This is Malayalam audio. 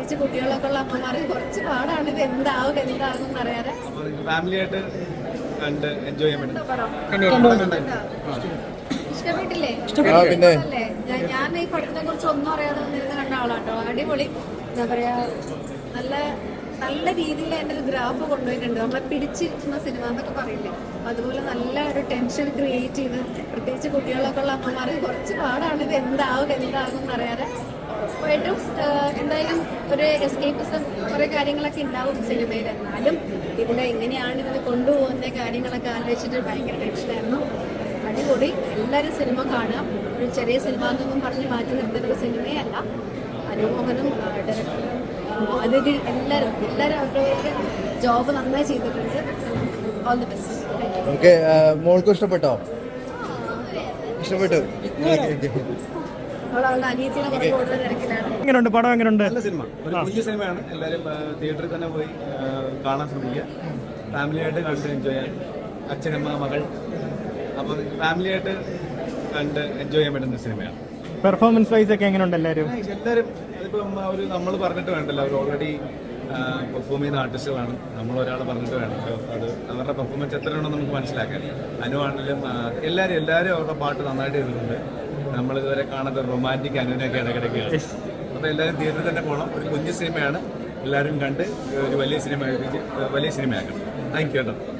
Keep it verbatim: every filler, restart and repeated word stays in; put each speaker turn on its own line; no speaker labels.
പ്രത്യേകിച്ച് കുട്ടികളൊക്കെ ഉള്ള അമ്മമാർക്ക് കുറച്ച് പാടാണ്. ഇത് എന്താവും എന്താകും അറിയാതെ
ഫാമിലി ആയിട്ട് കണ്ട് എൻജോയ് ചെയ്യാൻ
എന്താ
പറ്റും.
പടം ഇഷ്ടപ്പെട്ടില്ലേ? അല്ലേ ഞാൻ ഈ പടത്തിനെ കുറിച്ച് ഒന്നും അറിയാതെ വന്നിരുന്ന് കണ്ട ആളാട്ടോ. അടിപൊളി. എന്താ പറയാ, നല്ല നല്ല രീതിയിൽ എൻ്റെ ഒരു ഗ്രാഫ് കൊണ്ടുപോയിട്ടുണ്ട്. നമ്മളെ പിടിച്ചിരുത്തുന്ന സിനിമ എന്നൊക്കെ പറയില്ലേ, അതുപോലെ നല്ല ഒരു ടെൻഷൻ ക്രിയേറ്റ് ചെയ്ത് പ്രത്യേകിച്ച് കുട്ടികളൊക്കെ ഉള്ള അമ്മമാർക്ക് കുറച്ച് പാടാണ്. ഇത് എന്താവും എന്താകും എന്നറിയാതെ ഉറപ്പായിട്ടും എന്തായാലും ഒരു എസ്കേപ്പിസം കുറേ കാര്യങ്ങളൊക്കെ ഉണ്ടാവും സിനിമയിൽ. എന്നാലും ഇതിൽ എങ്ങനെയാണ് ഇതിൽ കൊണ്ടുപോകുന്ന കാര്യങ്ങളൊക്കെ ആലോചിച്ചിട്ട് ഭയങ്കര ടെൻഷനായിരുന്നു. അടിപൊളി. എല്ലാവരും സിനിമ കാണുക. ഒരു ചെറിയ സിനിമ എന്നൊന്നും പറഞ്ഞ് മാറ്റി നിർത്തുന്ന ഒരു സിനിമയല്ല. അനുമോഹനും ഡയറക്ടറും അതിഥി എല്ലാവരും എല്ലാവരും അവരവരുടെ ജോബ് നന്നായി ചെയ്തിട്ടുണ്ട്. All the best.
ഓക്കെ, മോൾക്ക് ഇഷ്ടപ്പെട്ടോ? ഇഷ്ടപ്പെട്ടു.
അവളുടെ അനിയത്തിനെ കുറേ കൂടുതൽ തിരക്കിലാണ്.
എങ്ങനെയുണ്ട് പടം? എങ്ങനെയുണ്ട്?
നല്ല സിനിമ, ഒരു കുഞ്ഞു സിനിമയാണ്. എല്ലാവരും തിയേറ്ററിൽ തന്നെ പോയി കാണാൻ ശ്രമിക്കുക. ഫാമിലിയായിട്ട് കണ്ട് എൻജോയ് ചെയ്യാൻ, അച്ഛനമ്മ മകൾ, അപ്പം ഫാമിലിയായിട്ട് കണ്ട് എൻജോയ് ചെയ്യാൻ പറ്റുന്ന സിനിമയാണ്.
പെർഫോമൻസ് വൈസ് ഒക്കെ എങ്ങനെയുണ്ട് എല്ലാവരും?
എല്ലാവരും അതിപ്പം ഒരു നമ്മൾ പറഞ്ഞിട്ട് വേണ്ടല്ലോ, അവർ ഓൾറെഡി പെർഫോം ചെയ്യുന്ന ആർട്ടിസ്റ്റുകളാണ്. നമ്മൾ ഒരാൾ പറഞ്ഞിട്ട് വേണം അത് അവരുടെ പെർഫോമൻസ് എത്രയാണെന്ന് നമുക്ക് മനസ്സിലാക്കാൻ. അനു ആണെങ്കിലും എല്ലാവരും എല്ലാവരും അവരുടെ പാട്ട് നന്നായിട്ട് ചെയ്തിട്ടുണ്ട്. നമ്മളിതുവരെ കാണാത്ത റൊമാൻറ്റിക് അനുവിനൊക്കെ ഇടയ്ക്കിടയ്ക്കാണ്. അപ്പോൾ എല്ലാവരും തിയേറ്ററിൽ തന്നെ പോകണം. ഒരു കുഞ്ഞു സിനിമയാണ്, എല്ലാവരും കണ്ട് ഒരു വലിയ സിനിമ വലിയ സിനിമയാക്കണം. താങ്ക് യു കേട്ടോ.